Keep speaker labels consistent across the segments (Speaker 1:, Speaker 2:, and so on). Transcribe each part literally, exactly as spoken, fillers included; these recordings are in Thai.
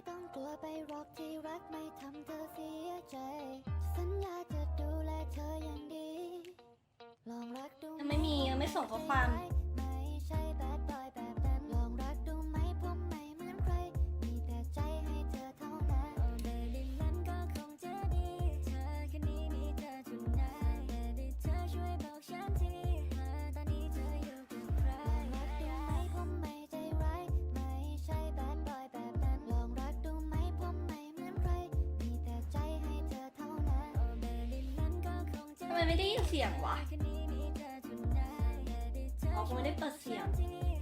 Speaker 1: ต้องกลัวไปหรอกที่รักไม่ทำเธอเสียใจสัญญาจะดูแลเธออย่างดีลองรักดู
Speaker 2: ยังไม่มียังไม่ส่งข้อความ
Speaker 1: ไม่ใช่แบดบอยแบบนั้นลองรักดูไหมผมไม่เหมือนใครมีแต่ใจให้เธอเท่านั้นเบบี้นั้นก็คงจะดีเธอแค่นี้มีเธอทุกนายเบบี้เธอช่วยบอกฉันทีว่าตอนนี้เธออยู่กับใครลองรักดูไหมผมไม่ใจร้ายไม่ใช่แบดบอยแบบนั้นลองรักดูไหมผมไม่เหมือนใครมีแต่ใจให้เธอเท่านั้นเบบี้นั้นก็คงจะ
Speaker 2: ทำไมไม่ได้ยินเสียงวะอ๋อคงไม่ได้เปิดเสียง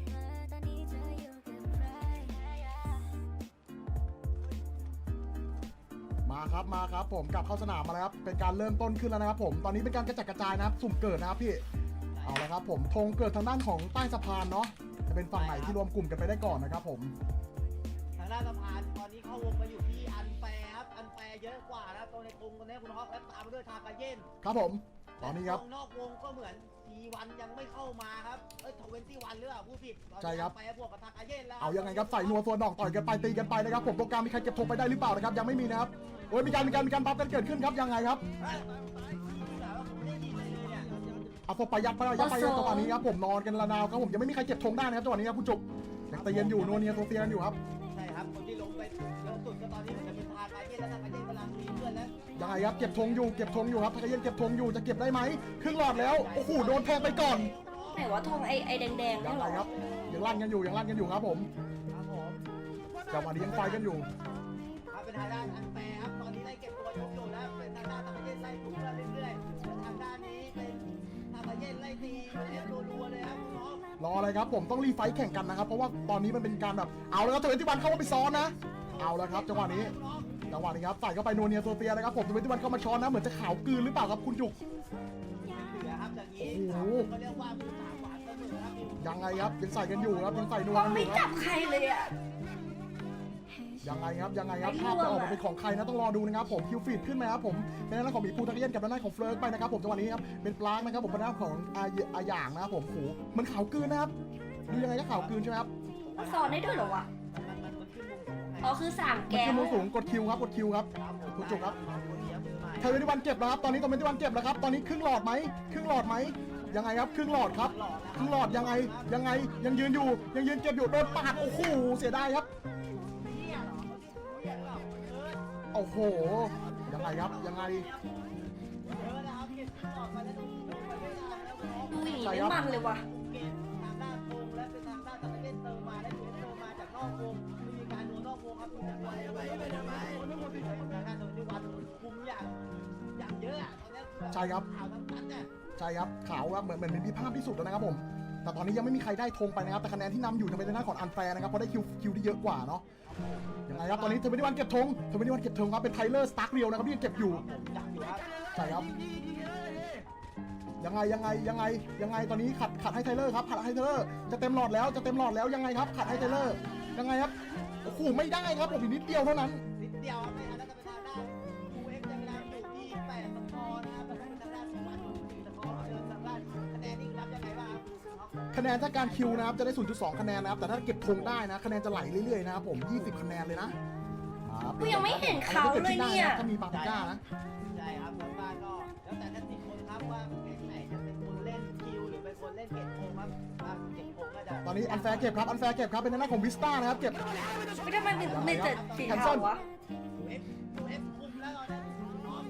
Speaker 3: มาครับมาครับผมกลับเข้าสนามมาแล้วครับเป็นการเริ่มต้นขึ้นแล้วนะครับผมตอนนี้เป็นการกระจัดกระจายนะครับสุ่มเกิดนะครับพี่เอาละครับผมธงเกิดทางด้านของใต้สะพานเนาะจะเป็นฝั่งไหนที่รวมกลุ่มกันไปได้ก่อนนะครับผม
Speaker 4: ทางด้านสะพานตอนนี้เข้าวงมาอยู่ที่อันแฟร์ครับอันแฟร์เยอะกว่านะครับตรงในกรุงตรงนี้คุณฮอกและตามมาด้วยทากาเย็น
Speaker 3: ครับผมตอนนี้ครับ
Speaker 4: นอกวงก็เหมือนทีวันยังไม่เข้ามาครับเอ้ยทเวนตี้วันหรือเปล่าผู้ผิด
Speaker 3: ใช่ครับ
Speaker 4: ไปบวกกับทากาเย็นแล้ว
Speaker 3: เอายังไงครับใส่นัวส่วนดอกต่อยกันไปตีกันไปนะครับผมตรงกลางมีใครเก็บธงไปได้หรือเปล่านะครับยังไม่มีนะครับโอ้ยมีการมีการมีการบัฟกันเกิดขึ้นครับยังไงครับ
Speaker 4: เฮ้ยแต่ว่าผมไม่ได้ยินเลยเนี่ย
Speaker 3: เอาศพไปยัดไปยัดไปยัดจังหวะนี้ครับผมนอนกันระนาวครับผมยังไม่มีใครเก็บธงได้นะครับจังหวะนี้ครับคุณจุกยังตีกันอยู่นัวเนียโซเซียกันอยู่ครับ
Speaker 4: ใช่ครับคนที่ลงไปลงสุดก็ตอนนี้เหมือนจะเป็นทากาเย็นแล้วทากาเย็นกำลังมีเพื่อนแล้ว
Speaker 3: ยังไงครับเก็บธงอยู่เก็บธงอยู่ครับทากาเย็นเก็บธงอยู่จะเก็บได้ไหมครึ่งหลอดแล้วโอ้โหโดนแทงไปก่อน
Speaker 2: ไหนว่าทองไอไอแดงๆ
Speaker 3: ยั
Speaker 2: นี่
Speaker 3: ง
Speaker 2: เห
Speaker 3: ไง
Speaker 2: รอ
Speaker 3: ครับยังลั่นกันอยู่ยังลั่นกันอยู่ครับผม
Speaker 4: ครับผม
Speaker 3: จังหวะนี้ยังไฟกันอยู่
Speaker 4: ครับเป็นทางด้านอันแฟร์ครับตอนนี้ได้เก็บตัวยกอยู่แล้วเป็นทางด้านทากาเย็นไล่ทุบเรื่อยๆส่วนทางด้านนี้เป็นทากาเย็นไล่ตีเอฟรัวๆเลยครับคุณฮอก
Speaker 3: รออะไรครับผมต้องรีไฟท์แข่งกันนะครับเพราะว่าตอนนี้มันเป็นการแบบเอาแล้วครับทเวนตี้วันเข้ามาไปซ้อนนะเอาแล้วครับจังหวะนี้จังหวะนี้ครับใส่เข้าไปนัวเนียโซเฟียนะครับผมทเวนตี้วันเข้ามาช้อนนะเหมือนจะขาวกลืนหรือเปล่าครับคุณจุก
Speaker 4: เหลือครับอย่างนี้
Speaker 3: โอ้โห
Speaker 4: เขาเรียกว่ามือสามหวานเสมอครับ
Speaker 3: ยังไงครับยังใส่กันอยู่ครับยังใส่นัว
Speaker 2: ก็
Speaker 3: กันอ
Speaker 2: ไม่
Speaker 3: ยู่ค
Speaker 2: จั
Speaker 3: รั
Speaker 2: บบ ใครเลยอ่ะ
Speaker 3: ยังไงครับยังไงครับ
Speaker 2: ไม่
Speaker 3: ภาพ
Speaker 2: ร่วง
Speaker 3: จะออกมา
Speaker 2: อะ
Speaker 3: เป็นของใครนะต้องรอดูนะครับผมคิวฟีดขึ้นไหมครับผมเป็นด้านของหมีภูทักเย็นกับด้านของเฟลิร์กไปนะครับผมจังหวะนี้ครับเป็นปลางนะครับผมเป็นด้านของอาอาหยางนะครับผมโหมันขาวกลืนนะครับดูยังไงก็ขาวกลืนใช่ไหมครับ
Speaker 2: มันสอนได้ด้วยเหรอวะ
Speaker 4: มันมันมันขึ้นมุมสูงไง
Speaker 2: อ๋อคือสาม
Speaker 3: มัน
Speaker 2: แก้ว
Speaker 3: คือมือสูงกดคิวครับกดคิวครับ
Speaker 4: ครับผม
Speaker 3: คุณจุกครับ
Speaker 4: คนเดียวมือใหม่
Speaker 3: ทเวนตี้วันเก็บแล้วครับตอนนี้ทเวนตี้วันเก็บแล้วครับตอนนี้ครึ่งหลอดไหมครึ่งหลอดไหมยังไงครับครึ่งหลอดครับครึ่งหลอดยังไงยังไงยังยืนอยู่ยังยืนเก็บอยู่โดนปาดโอ้โหเสียดายครับ
Speaker 4: เหี้ยเหรอเหี้ยเหรอเออ
Speaker 3: โอ้โหยังไงครับยังไง
Speaker 4: เออนะครับเก็บต่อไปแล้วดูดูไปไม่นานแล้วคุณฮอก
Speaker 2: ดูอย่างนี้ไม่มันเลยว่ะ
Speaker 4: เกมทางด้านวงและเป็นทางด้านตะเล่นเติมมาและดูเติมมาจากนอกวงไม่มีการโดนนอกวงครับคุณจะไปไปไปทำไมทางด้านโดนที่วันคุมอย่างอย่างเยอะอะตอนนี้คือ
Speaker 3: ใช่ครับ
Speaker 4: ข่าวทั้งนั้นเนี่ย
Speaker 3: ใช่ครับขาวครับเหมือนเหมือนมีภาพที่สุดแล้วนะครับผมแต่ตอนนี้ยังไม่มีใครได้ธงไปนะครับแต่คะแนนที่นำอยู่จะเป็นทางด้านของอันแฟร์นะครับเพราะได้คิวคิวที่เยอะกว่าเนาะยังไงครับตอนนี้ทเวนตี้วันเก็บธงทเวนตี้วันเก็บธงครับเป็นไทเลอร์สตาร์คเรียวนะครับที่ยังเก็บอยู่
Speaker 4: ผมอยากอยู่ครับ
Speaker 3: ใช่ครับยังไงยังไงยังไงยังไงตอนนี้ขัดขัดให้ไทเลอร์ครับขัดให้ไทเลอร์จะเต็มหลอดแล้วจะเต็มหลอดแล้วยังไงครับขัดให้ไทเลอร์ยังไงครับโอ้โหไม่ได้ครับผมอีกนิดเดียวเท่านั้น
Speaker 4: นิดเดียวครับไม่ทันแล้วจะเป็นทางด้านยูเอ็กซ์ยังนำอยู่ที่แปดสกอร์นะครับแล้วก็เป็นทางด้านของวันอยู่สี่สกอร์เชิญทางด้านคะแนนนี่รับยังไงบ้างครับ
Speaker 3: คะแนนถ้าการคิวนะครับจะได้ ศูนย์จุดสอง คะแนนนะครับแต่ถ้าเก็บธงได้นะคะแนนจะไหลเรื่อยๆนะครับผมยี่สิบคะแนนเลยนะ
Speaker 2: กูยังไม่เห็นเขาเลยเนี่ย
Speaker 3: ถ้ามีปาปิก้านะ
Speaker 4: ใช่ครับทางด้านก็แล้วแต่ท่านติคนครับว่าเกมไหนจะเป็นคนเล่นคิวหรือเป็นคนเล่นเก็บโกงครับถ้าเก็บโกงก็จะ
Speaker 3: ตอนนี้อันแฟร์เก็บครับอันแฟร์เก็บครับเป็นหน้าของวิสต้านะครับเก็บ
Speaker 2: ไม่ทำไมมีมีแต่สีเทาวะ
Speaker 4: ยูเอฟยูเอฟคุมแล้วตอนนี้พร้อม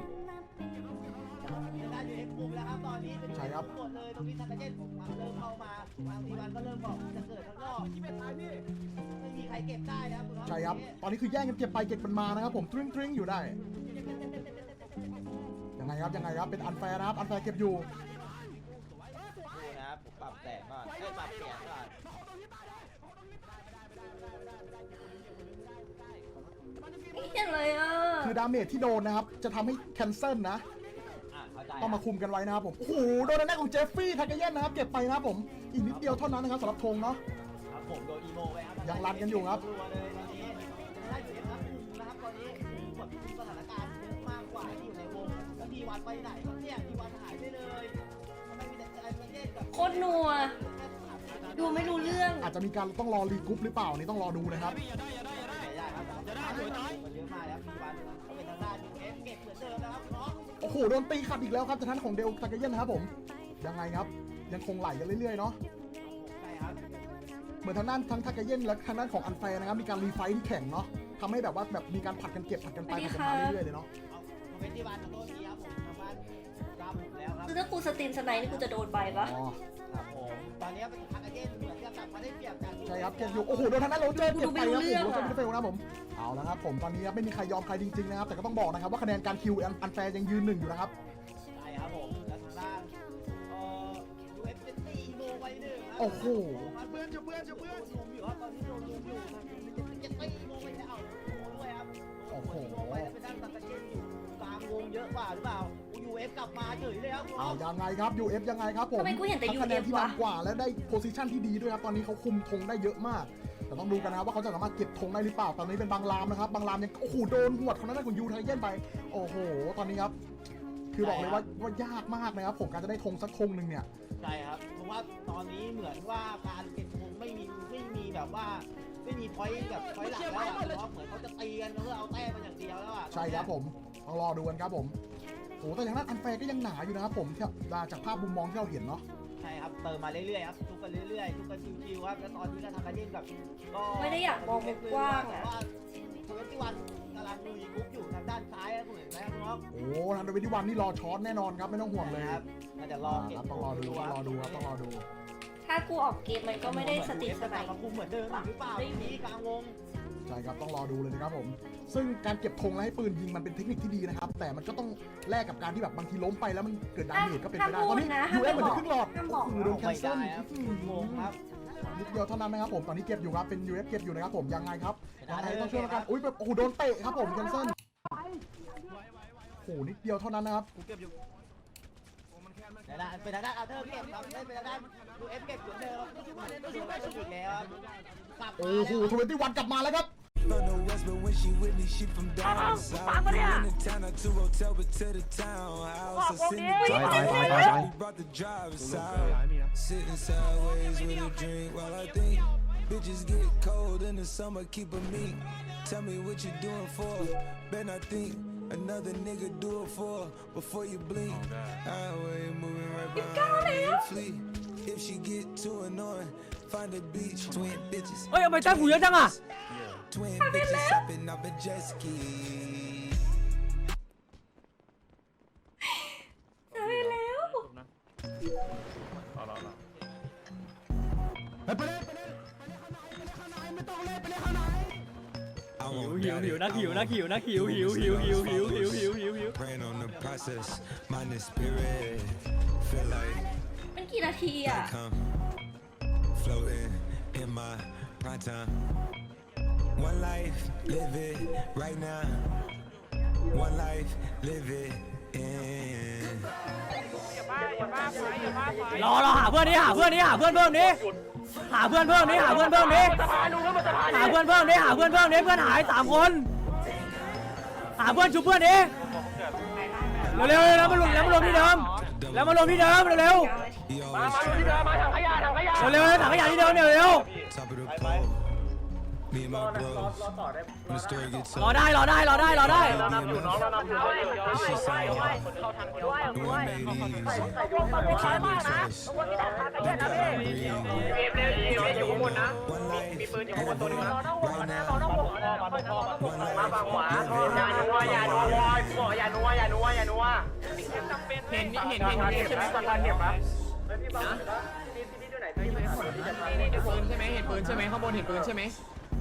Speaker 4: ทางด้านยูเอฟคุมแล้วครับตอนนี้เป็นยูเอฟหมดเลยตรงนี้ทางกระเจ็ดมาเริ่มเข้ามาบางทีวันก็เริ่มบอกจะเกิดข้างนอกที่เป็นทางนี่ไม่มีใครเก็บได้นะครับคุณน้อง
Speaker 3: ใช่ครับตอนนี้คือแย่งกันเก็บไปเก็บมันมานะครับผมตริ้งตริ้งอยู่ได้ยังไงครับยังไงครับเป็นอันแฟร์นะครับอันแฟร์เก็บอยู่
Speaker 4: ดูนะครับผมปรับแสงก่อนให้ปรับเสียงก่อน
Speaker 2: ไม่เห็นเลยอ่ะ
Speaker 3: คือดาเมจที่โดนนะครับจะทำให้แคนเซิลนะ
Speaker 4: อ่ะเข้าใจ
Speaker 3: ต้องมาคุมกันไว้นะครับผมโอ้โหโดนหน้าของเจฟฟี่ทากาเย็นนะครับเก็บไปนะครับผมอีกนิดเดียวเท่านั้นนะครับสำหรับธงเนาะ
Speaker 4: ครับผมโดนอีโมไปครับ
Speaker 3: ยังรันกันอยู่ครับ
Speaker 4: รัวเลยตอนนี้ได้อยู่นะครับนะครับตอนนี้กดสถานการณ์เยอะมากกว่าที่อยู่ในวงแล้วทีวันไปไหนครับเนี่ยทีวันหายไปเลยทำไมมีแต่ไอ้ประเทศกับ
Speaker 2: โคตรนัว ดูไม่รู้เรื่อง
Speaker 3: อาจจะมีการต้องรอรีกรุ๊ปหรือเปล่านี่ต้องรอดูนะครับ
Speaker 4: ได้ครับจะได้สวยน้อยเยอะมากแล้วมีวันก็เป็นทางด้านยูเอฟเก็บเหมือนเดิมนะครับน้อง
Speaker 3: โอ้โหโดนตีขัดอีกแล้วครับจากทางของเดลตากาเย็นนะครับผมยังไงครับยังคงไหลกันเรื่อยๆเนาะ
Speaker 4: ใช่ครับ
Speaker 3: เหมือนทางด้านทั้งทากาเย็นและทางด้านของอันแฟร์นะครับมีการรีไฟท์ที่แข่งเนาะทำให้แบบว่าแบบมีการผัดกันเก็บผัดกันไปผัดกันมาเรื่อยๆเลยเนาะ
Speaker 4: เอาเป็นที่วันโต้นี้ครับผมทางบ้านรับแล้วครับ
Speaker 2: คือถ้ากูสตรีมสไนด์นี่กูจะโดนใบปะ
Speaker 3: อ๋อ
Speaker 4: ครับผมตอนนี้เป็นทางอาเจนเหมือนกับกลับมาได้เปรียบจาก
Speaker 3: ใช่ครับเก็บอยู่โอ้โหโดนทางด้านโรเจอร์เก็บไปครับผมโรเจอร์ไม่ได้เฟลนะครับผมเอาละครับผมตอนนี้ครับไม่มีใครยอมใครจริงๆนะครับแต่ก็ต้องบอกนะครับว่าคะแนนการคิวอันแฟร์ยังยืนหนึ่งอยู่นะครับ
Speaker 4: ใช่ครับผมแล้วทางด้านเอ่อยูเอฟเป็นตีโมไว้หนึ่งครับ
Speaker 3: โอ้โห
Speaker 4: เพื่อนจะเพื่อนจะเพื่อนลุมอยู่ครับตอนนี้โดนลุมอยู่ครับจะตีโมไปแล้วเอาด้วยครับโอ้โหโมไว้แล้วเป็นด้านตะเกียบอยู่กลางวงเยอะกว่าหรือเปล่ายูเอฟกลับมาเฉยเลยครับ
Speaker 3: เอายังไงครับ ยู เอฟ ยังไงครับผม
Speaker 2: ทำไมกูเห็นแต่
Speaker 3: ทั้
Speaker 2: ยู
Speaker 3: งคะแน
Speaker 2: เอน ฟ
Speaker 3: ที่
Speaker 2: วะ
Speaker 3: นำกว่าและได้โพซิชันที่ดีด้วยครับตอนนี้เขาคุมธงได้เยอะมากแต่ต้องดูกันนะครับว่าเขาจะสามารถเก็บธงได้หรือเปล่าตอนนี้เป็นบางรามนะครับบางรามยังโอ้โหโดนหวดคนนั้นของยูไทเย็นไปโอ้โหตอนนี้ครับคือบอกเลยว่าว่ายากมากนะครับผมการจะได้ธงสักธงหนึ่งเนี่ย
Speaker 4: ใช่ครับเพราะว่าตอนนี้เหมือนว่าการเก็บธงไม่มีไม่มีแบบว่าไม่มีพอยต์แบบพอยต์หลักแล้วอะเพราะเหมือนเขาจะตีกันเพื่อเอาแต้มมันอย่างเดียวแล้วอะ
Speaker 3: ใช่ครับผมต้องรอดูกันครับผมโอ้แต่อย่างนั้นอันแฟร์ก็ยังหนาอยู่นะครับผมจากภาพมุมมองที่เราเห็นเนาะ
Speaker 4: ใช่ครับเติมมาเรื่อยๆครับทุกกันเรื่อยๆทุกกันชิวๆครับแล้วตอนนี้ก็ทำกันเล่นแบบก็
Speaker 2: ไม่ได้อยากมองมุมกว้างอะ
Speaker 4: ว่าทเวนตี้วันกำลังลุยคุกอยู่ทางด้านซ้ายครับคุณเห็นไหมครับน้อง
Speaker 3: โอ้ทางเดวิดวันนี่รอช็อตแน่นอนครับไม่ต้องห่วงเลย
Speaker 4: ครับน่าจะรอ
Speaker 3: อ่า
Speaker 4: เก็บ
Speaker 3: ครับต้องรอดูต้องรอดูครับต้องรอดู
Speaker 2: ถ้ากูออกเกมมันก็ไม่ได้สตรีมสไน
Speaker 4: ด์
Speaker 2: ด์
Speaker 4: มาคุมเหมือนเดิมหรือเปล่าที่กลางวง
Speaker 3: ใช่ครับต้องรอดูเลยนะครับผมซึ่งการเก็บธงและให้ปืนยิงมันเป็นเทคนิคที่ดีนะครับแต่มันก็ต้องแลกกับการที่แบบบางทีล้มไปแล้วมันเกิดดาเมจก็เป็นไปได้ตอนนี้ยูเอฟเหมือนจะครึ่งหลอดโอ้โหโดนแคนเซิล
Speaker 4: งงครับ
Speaker 3: นิดเดียวเท่านั้นนะครับผมตอนนี้เก็บอยู่ครับเป็น ยู เอฟ เก็บอยู่นะครับผมยังไงครับยังไงต้องช่วยกันอุ้ยแบบโอ้โหโดนเตะครับผมแคนเซิลโอ้โหนิดเดียวเท่านั้นนะครับ
Speaker 4: แต่ละเป็นทางด้านอาเธอร์เก็บครับเป็นทางด้านยูเอฟเก็บอยู่เดิมครับยูเอฟอีกแล้วครับ
Speaker 3: โอ้โหทเวนตี้วันกลับมาแล้วครับ
Speaker 5: From the west, but when she with me, she from down south. We in the town, not to hotel, but to the townhouse. I send the drive, we brought the drivers out. Sitting sideways with a drink while I think. Bitches get cold in the summer, keep a meat. Tell me what you doing for. Bet I think another nigga do it for. Before you blink, highway moving right behind me. Flee. If she get too annoying, find a beach, twin bitches.
Speaker 6: เฮ้ยทำไมแต้มกูเยอะจังอ่ะ
Speaker 5: Twin bitches hopping off a jet ski.
Speaker 2: ตายแล้ว
Speaker 5: I
Speaker 6: หิว
Speaker 5: won't
Speaker 6: หิว
Speaker 5: doubt
Speaker 6: หิว
Speaker 5: it.
Speaker 6: นัก
Speaker 5: I
Speaker 6: หิวนัก
Speaker 5: won't
Speaker 6: หิวนักหิวหิวหิวหิวหิวหิวหิวหิวหิว
Speaker 5: Praying on the process, mind the spirit. Feel like
Speaker 2: มันกี่นาทีอ่ะ
Speaker 5: come floating in my prime time. One life, live it right now. One life, live it in.
Speaker 6: รอรอหาเพื่อนนี้หาเพื่อนนี้หาเพื่อนเพิ่มนี้หาเพื่อนเพิ่มนี้หาเพื่อนเพิ่มนี้หาเพื่อนเพิ่มนี้หาเพื่อนเพิ่มนี้เพื่อนหายสามคนหาเพื่อนชุบเพื่อนนี้เร็วๆแล้วมารวมแล้วมารวมที่เดิมแล้วมารวมที่เดิมเร็ว
Speaker 5: He always try
Speaker 6: ๆเร็วๆถังขยะที่เดิมเร็ว
Speaker 5: top of the pole. Me and my bros. When the story gets
Speaker 6: ๆรอได้รอได้รอได้รอได้
Speaker 5: It's just all the one made easy. You can't be trust. Don't gotta breathe. One life, live it right now. One life, live it.
Speaker 6: เห็นเห็นเห็นเห็นใช่ไหมตอนเก็บปะปืนใช่ไหมเห็นปืนใช่ไหมข้างบนเห็นปืนใช่ไหม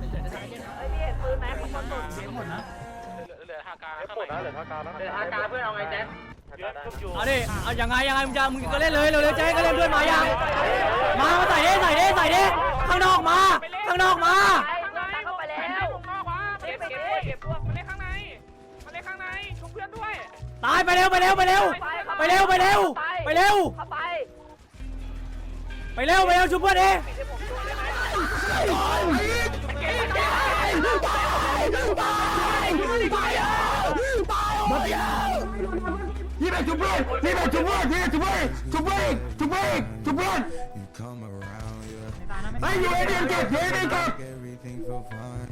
Speaker 6: เอาดิเอายังไงยังไงมึงจะมึงก็เล่นเลยเร็วๆแจ๊ก็เล่นด้วยมายังมามาใส่ดิใส่ดิใส่ดิข้างนอกมาข้างนอกมา
Speaker 7: เข้าไปแล้วเก็บเก็บเก็บพวกมันเล่นข้างในมันเล่นข้างในชุบเพื่อนด้วย
Speaker 6: ตายไปเร็วไปเร็วไปเร็วไปเร็วไปเร็วไปเร็ว
Speaker 7: เข้าไป
Speaker 6: ไปเร็วไปเร็วชุบเพื่อนดิ
Speaker 3: นี่เป็นจุบเบิ้ลนี่เป็นจุบเบิ้ลนี่จุบเบิ้ลจุบเบิ้ลจุบเบิ้ลจุบเบิ้ล
Speaker 5: You come around, yeah.
Speaker 3: ไอ้ยูเอเดียนเก็บยูเอเดียนเก็บ
Speaker 5: Everything feel fine.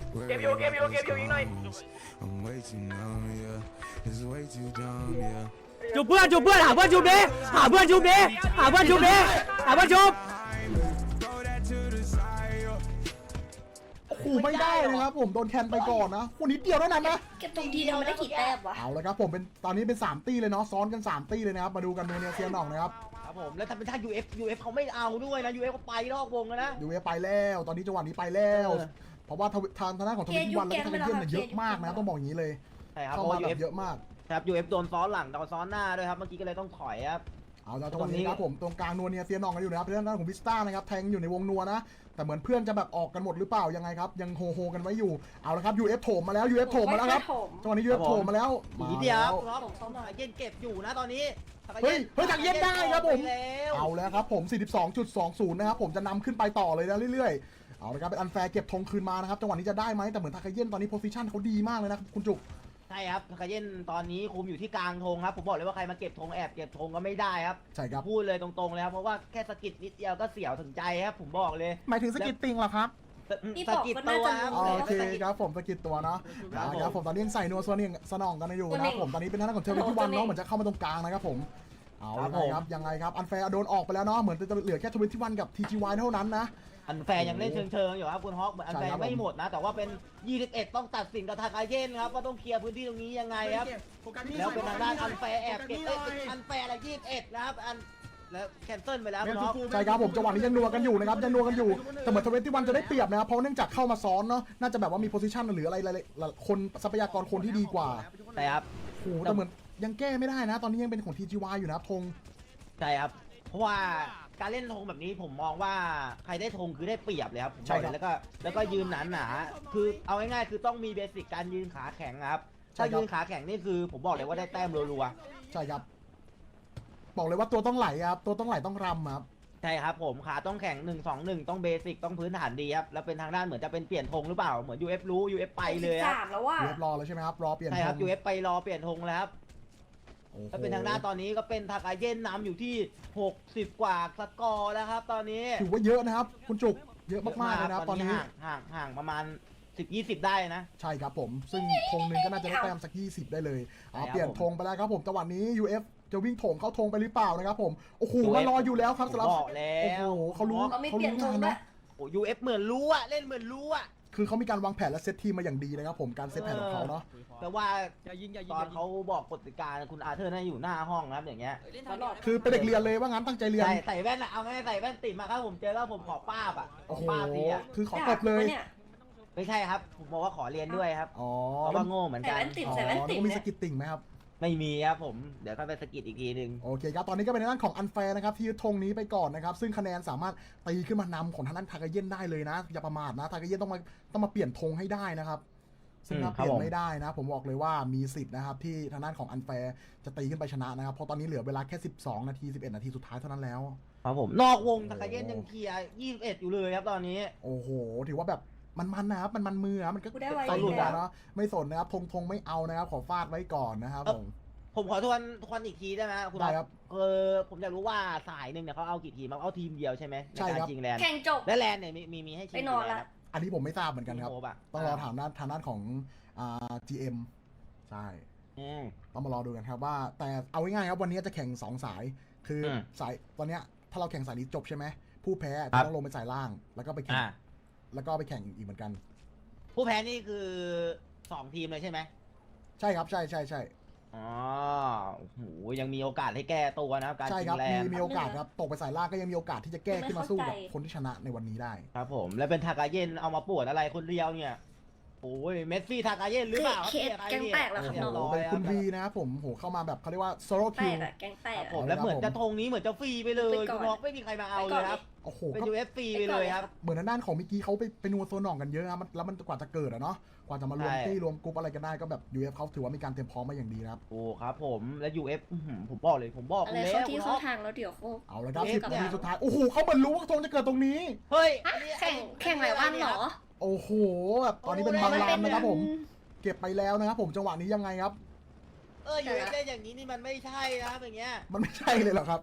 Speaker 5: Worried about those comments. I'm way too numb, yeah. It's way too dumb, yeah.
Speaker 6: จุบเพื่อนจุบเพื่อนหาเพื่อนจุบดิหาเพื่อนจุบดิหาเพื่อนจุบดิหาเพื่อนจุบ
Speaker 5: Throw that to the side, yo.
Speaker 3: โอ้โหไม่ได้นะครับผมโดนแคนไปก่อนนะคนนี้เดียวเท่านั้นนะ
Speaker 2: เก็บตรงทีเดียวมันได้กี่แต้มวะ
Speaker 3: เอาเลยครับผมเป็นตอนนี้เป็นสามตี้เลยเนาะซ้อนกันสามตี้เลยนะครับมาดูกันโนเนียเซียนหน่องนะครับ
Speaker 4: ครับผมแล้วถ้าเป็นถ้า ยู เอฟ ยู เอฟ เขาไม่เอาด้วยนะ ยู เอฟ เขาไปนอกวงแล้วนะ
Speaker 3: ยูเอไปแล้วตอนนี้จังหวะนี้ไปแล้ว
Speaker 4: เออ
Speaker 3: เพราะว่าทวิทางทางด้านของทวิตวันและทางเยี่ยมเนี่ยเยอะมากนะต้องบอกอย่างนี้เลย
Speaker 4: ใช่ครับ
Speaker 3: เข้า
Speaker 4: เพราะ
Speaker 3: มา
Speaker 4: ว่า
Speaker 3: แบ
Speaker 4: ยู
Speaker 3: บ
Speaker 4: เอฟ
Speaker 3: เยอะมาก
Speaker 4: ครับ ยู เอฟ โดนซ้อนหลังโดนซ้อนหน้าด้วยครับเมื่อกี้ก็เลยต้องถอยครับ
Speaker 3: เอาละจังหวะนี้ครับผมตรงกลางนัวเนียเซียนหน่องกันอยู่นะครับทางด้านของวิสต้านะครับแทงอยู่ในวงนัวนะแต่เหมือนเพื่อนจะแบบออกกันหมดหรือเปล่ายังไงครับยังโฮโฮกันไว้อยู่เอาละครับ ยู เอฟ โถมมาแล้ว ยู เอฟ โถมมาแล้วครับจังหวะนี้ ยู เอฟ โถมมาแล้ว
Speaker 4: อี
Speaker 3: มาก
Speaker 4: นิดเดียว
Speaker 3: แล้ว
Speaker 4: ครับผมทางเย็นเก็บอยู่นะตอนนี้
Speaker 3: เฮ้ยเฮ้ยทางเย็นได้ครับผม
Speaker 4: ไปแล้ว
Speaker 3: เอาแล้วครับผม สี่สิบสองจุดสองศูนย์ นะครับผมจะนำขึ้นไปต่อเลยนะเรื่อยๆเอาละครับเป็นอันแฟร์เก็บธงคืนมานะครับจังหวะนี้จะได้ไหมแต่เหมือนทาคาเย็นตอนนี้โพซิชันเขาดีมากเลยนะคุณจุก
Speaker 4: ใช่ครับทากาเย็นตอนนี้คุมอยู่ที่กลางธงครับผมบอกเลยว่าใครมาเก็บธงแอบเก็บธงก็ไม่ได้ครับ
Speaker 3: ใช่ครับ
Speaker 4: พูดเลยตรงๆเลยครับเพราะว่าแค่สะกิดนิดเดียวก็เสียวถึงใจครับผมบอกเลย
Speaker 3: หมายถึงสกิตติงเหรอครับ
Speaker 2: นี่
Speaker 4: สะ
Speaker 2: บอก
Speaker 4: กิด
Speaker 2: ก็
Speaker 4: ตั
Speaker 2: น่าว จะ
Speaker 4: ครับ
Speaker 2: รู้
Speaker 3: โอเคครับผมสกิดตัวเนาะ
Speaker 4: ครับผม
Speaker 3: นะครับผมตอนนี้ยังใส่นัวส่วนนี้สนองกันอยู่นะครับผมตอนนี้เป็นทางด้านของเทอร์วิที่วันเนาะเหมือนจะเข้ามาตรงกลางนะครับผมเอาละครับยังไงครับอันแฟร์โดนออกไปแล้วเนาะเหมือนจะเหลือแค่ทวิตที่วันกับ ที จี วาย เท่านั้นนะ
Speaker 4: อันแฟร์ยังเล่นเชิงๆอยู่ครับคุณฮอกเหมือนอันแฟร์ไม่หมดนะ แต่ว่าเป็น ยี่สิบเอ็ด ต้องตัดสินกับทากาเย็นครับว่าต้องเคลียร์พื้นที่ตรงนี้ยังไงครับแล้วเป็นทางด้านอันแฟร์แอบเก็บเอ้ยอันแฟร์อะไรยี่สิบเอ็ดนะครับอันแล้วแคนเซิลไปแล้วคุณฮอก
Speaker 3: ใช่ครับผมจังหวะนี้ยังนัวกันอยู่นะครับยังนัวกันอยู่แต่เหมือนทวิตที่วันจะได้เปรียบนะครับเพราะเนื่องจากเข้ามาซ้อนเนาะน่าจะแบบว่ามีโพซิชันหรืออะไรหลายๆคนทรัพยากรคนที่ดีกว่า
Speaker 4: ใช่ครับ
Speaker 3: โอ้โหแต่เหมือนยังแก้ไม่ได้นะ ตอนนี้ยังเป็นของ ที จี วาย อยู่นะครับธง
Speaker 4: ใช่ครับ เพราะว่าการเล่นธงแบบนี้ผมมองว่าใครได้ธงคือได้เปรียบเลยครับผมบอกเลยแล้วก็แล้วก็ยืนหนาหนาๆคือเอาง่ายๆคือต้องมีเบสิกการยืนขาแข็งครับถ้ายืนขาแข็งนี่คือผมบอกเลยว่าได้แต้มรัว
Speaker 3: ใช่ครับบอกเลยว่าตัวต้องไหลครับตัวต้องไหลต้องรำครับ
Speaker 4: ๆใช่ครับผมขาต้องแข็งหนึ่งสองหนึ่งต้องเบสิกต้องพื้นฐานดีครับแล้วเป็นทางด้านเหมือนจะเป็นเปลี่ยนธงหรือเปล่าเหมือน ยู เอฟ รู้ ยู เอฟ ไปเลยครับ
Speaker 2: สามแล้วว่ะ
Speaker 3: เรียบรอแล้วใช่ไหมครับรอเปลี่ยน
Speaker 4: ใช่
Speaker 3: ธ
Speaker 4: ครับ
Speaker 3: ง
Speaker 4: ยู เอฟ ไปรอเปลี่ยนธงแล้วครับ
Speaker 3: โอ้โห
Speaker 4: ถ้าเป็นทางด้านตอนนี้ก็เป็นทากาเย็นนำอยู่ที่หกสิบกว่าสกอร์แล้วครับตอนนี้
Speaker 3: ถือว่าเยอะนะครับคุณจุกเยอะมากๆเลยนะครับตอนนี้
Speaker 4: ห่างห่างห่างประมาณสิบยี่สิบได้นะ
Speaker 3: ใช่ครับผมซึ่งธงหนึ่งก็น่าจะได้แต้มสักยี่สิบได้เลยเอา
Speaker 4: ใช่ครับ
Speaker 3: เปลี่ยนธงไปแล้วครับผมจังหวะนี้ ยู เอฟ จะวิ่งโถมเข้าธงไปหรือเปล่านะครับผมโอ้โห
Speaker 4: ยู เอฟ
Speaker 3: มารออยู่แล้วครับสำหรับ
Speaker 4: ผมบอกแล้ว
Speaker 3: โอ้โหเขารู้
Speaker 2: เขาไม่
Speaker 3: เขา
Speaker 2: เปลี่ยน
Speaker 3: รู้
Speaker 2: ธ
Speaker 3: งาง น
Speaker 2: ด้ว
Speaker 3: นะ
Speaker 2: ย
Speaker 4: โอ้ ยู เอฟ เหมือนรู้อะเล่นเหมือนรู้อะ
Speaker 3: คือเขามีการวางแผนและเซตทีมมาอย่างดีนะครับผมการเซตแผนของเขาเนาะ
Speaker 4: แต่ว่าตอนเขาบอกกติกาคุณอาเธอร์น่าอยู่หน้าห้องนะครับอย่างเงี้ย
Speaker 3: คือเป็นเด็กเรียนเลยว่างั้นตั้งใจเรียน
Speaker 4: ใส่ใส่แว่นอะเอาง่ายๆใส่แว่นติดมาครับผมเจอแล้วผมขอป้าบอะข
Speaker 3: โอ้
Speaker 4: อ
Speaker 3: โห
Speaker 4: ป้าบดีอะ
Speaker 3: คือขอตบเลย
Speaker 2: นี่
Speaker 4: ไม่ใช่ครับผมบอกว่าขอเรียนด้วยครับ
Speaker 3: อ๋อ
Speaker 4: เพราะว่าโง่เหมือน
Speaker 2: แต่
Speaker 4: กัน
Speaker 2: แว่นติด
Speaker 3: อ๋อ
Speaker 2: ใส่แว่นติด
Speaker 3: ต้องมี
Speaker 2: เนี่
Speaker 3: ส
Speaker 2: ย
Speaker 3: กิตติ่งไหมครับ
Speaker 4: ไม่มีครับผมเดี๋ยวก็ไปสกิดอีกทีหนึ่ง
Speaker 3: โอเคครับ ตอนนี้ก็เป็นในด้านของอันแฟร์นะครับที่ยึดธงนี้ไปก่อนนะครับ ซึ่งคะแนนสามารถตีขึ้นมานำของทางด้านทากาเย็นได้เลยนะ อย่าประมาทนะ ทากาเย็นต้องมาต้องมาเปลี่ยนธงให้ได้นะครับ ซึ่งถ้าเปลี่ยนไม่ได้นะ ผมบอกเลยว่ามีสิทธิ์นะครับที่ทางด้านของอันแฟร์จะตีขึ้นไปชนะนะครับ เพราะตอนนี้เหลือเวลาแค่สิบสองนาทีสิบเอ็ดนาทีสุดท้ายเท่านั้นแล้ว
Speaker 4: ครับผมนอกวงตะกาเย็นยังเคลียร์ยี่สิบเอ็ดอยู่เลยครับตอนนี้
Speaker 3: โอ้โห ถือว่าแบบมันๆนะครับมันมันมือนะมันก็
Speaker 2: กูได้ไว
Speaker 3: ใส่
Speaker 2: อ
Speaker 3: หั
Speaker 2: ยู่
Speaker 3: ว
Speaker 2: แล้ว
Speaker 3: เนาะไม่สนนะครับธงธงไม่เอานะครับขอฟาดไว้ก่อนนะครับผม
Speaker 4: ผมขอทวนทวนอีกทีได้ไหมคุณ
Speaker 3: ได้ครับ
Speaker 4: เออผมอยากรู้ว่าสายหนึ่งเนี่ยเขาเอากี่ทีมเอาทีมเดียวใช่ไหมใน
Speaker 3: ใช่
Speaker 4: การ
Speaker 3: ครับ
Speaker 4: ชิงแลนด์
Speaker 2: แข่งจบ
Speaker 4: และแลนด์เนี่ยมีมีมีให้ชิง
Speaker 2: ไปนอน
Speaker 4: กี่แล
Speaker 2: ละ
Speaker 4: ครับ
Speaker 3: อันนี้ผมไม่ทราบเหมือนกันครับ
Speaker 4: โอ้โหะ
Speaker 3: ต้องรอถามด้านทางด้านของอ่า จี เอ็ม ใช่
Speaker 4: อืม
Speaker 3: ต้องมารอดูกันครับว่าแต่เอาง่ายๆครับวันนี้จะแข่งสองสาย คืออ
Speaker 4: ม
Speaker 3: สายตอนเนี้ยถ้าเราแข่งสายนี้จบใช่ไหมผู้แพ้
Speaker 4: ครั
Speaker 3: จะ
Speaker 4: บ
Speaker 3: ต้องลงไปสายล่าง แล้วก็ไปแข่ง
Speaker 4: อ่า
Speaker 3: แล้วก็ไปแข่งอีกเหมือนกัน
Speaker 4: ผู้แพ้นี่คือสองทีมเลยใช่ไหม
Speaker 3: ใช่ครับใช่ใช่ใช่
Speaker 4: อ๋อโอ้โหยังมีโอกาสให้แก้ตัวนะครับการ
Speaker 3: ใช่
Speaker 4: ชิ
Speaker 3: ครับ
Speaker 4: งแล
Speaker 3: มี
Speaker 4: นด์
Speaker 3: มีโอกาสครับตกไปสายล่างก็ยังมีโอกาสที่จะแก้ขึ้นมาสู้กับคนที่ชนะในวันนี้ได้
Speaker 4: ครับผมแล้วเป็นทากาเย็นเอามาปวดอะไรคนเดียวเนี่ยโอ้ยเมสซี่ทากาเย็นหรือเปล่า
Speaker 2: เคสแกงแตกแล้วครับ
Speaker 4: เรีย
Speaker 2: น้อง
Speaker 4: ร้อย
Speaker 3: เป็นคุณ
Speaker 4: รับ
Speaker 3: วีนะครับผมโหเข้ามาแบบเขาเรียกว่าโซโล่
Speaker 2: แต
Speaker 3: คิว
Speaker 2: กอะแกงแต
Speaker 4: ค
Speaker 2: ก
Speaker 4: รับ
Speaker 2: อะ
Speaker 4: ผมแล้วเหมือนจะธงนี้เหมือนจะฟรีไปเลย
Speaker 2: ไปก่อน
Speaker 4: คุณบอกไม่มีใครมาเอาเลยครับ
Speaker 3: โอ้โห
Speaker 4: เป็น
Speaker 3: ก็
Speaker 4: ยูเอฟฟรีไปเลยครับ
Speaker 3: เหมือนทางด้านของมิกกี้เขาไปไปนัวโซนหน่องกันเยอะครับมันแล้วมันกว่าจะเกิดอะเนาะกว่าจะมารวม
Speaker 4: ใช่
Speaker 3: ที่รวมกรุ๊ปอะไรกันได้ก็แบบ ยู เอฟ เขาถือว่ามีการเตรียมพร้อมมาอย่างดีนะครับ
Speaker 4: โอ้ครับผมและ ยู เอฟ อื้อหือผมบอกเลยผมบอก
Speaker 2: อะไร
Speaker 4: แล้ว
Speaker 2: เข้าที่
Speaker 4: คุณ
Speaker 2: เข้า
Speaker 4: อ๊อฟ
Speaker 2: ทางแล้วเดี๋ยวเขา
Speaker 3: เอาละครับ
Speaker 4: เอ๊ะ
Speaker 3: สิบนาทีสุดท้ายโอ้โหเขาเหมือนรู้ว่าธงจะเกิดตรงนี้
Speaker 4: เฮ้ย
Speaker 2: ฮะ
Speaker 4: อันนี้
Speaker 2: แข่งแข่งหลายวันเหรอ
Speaker 3: โอ้โหแบบตอนนี้เป็น
Speaker 4: โอ้
Speaker 3: บาง
Speaker 4: โห
Speaker 3: รามนะครับผมเก็บไปแล้วนะครับผมจังหวะนี้ยังไงครับ
Speaker 4: เออยูเอฟได้อย่างนี้นี่มันไม่ใช่นะครับอย่างเงี้ย
Speaker 3: มันไม่ใช่เลยเหรอครับ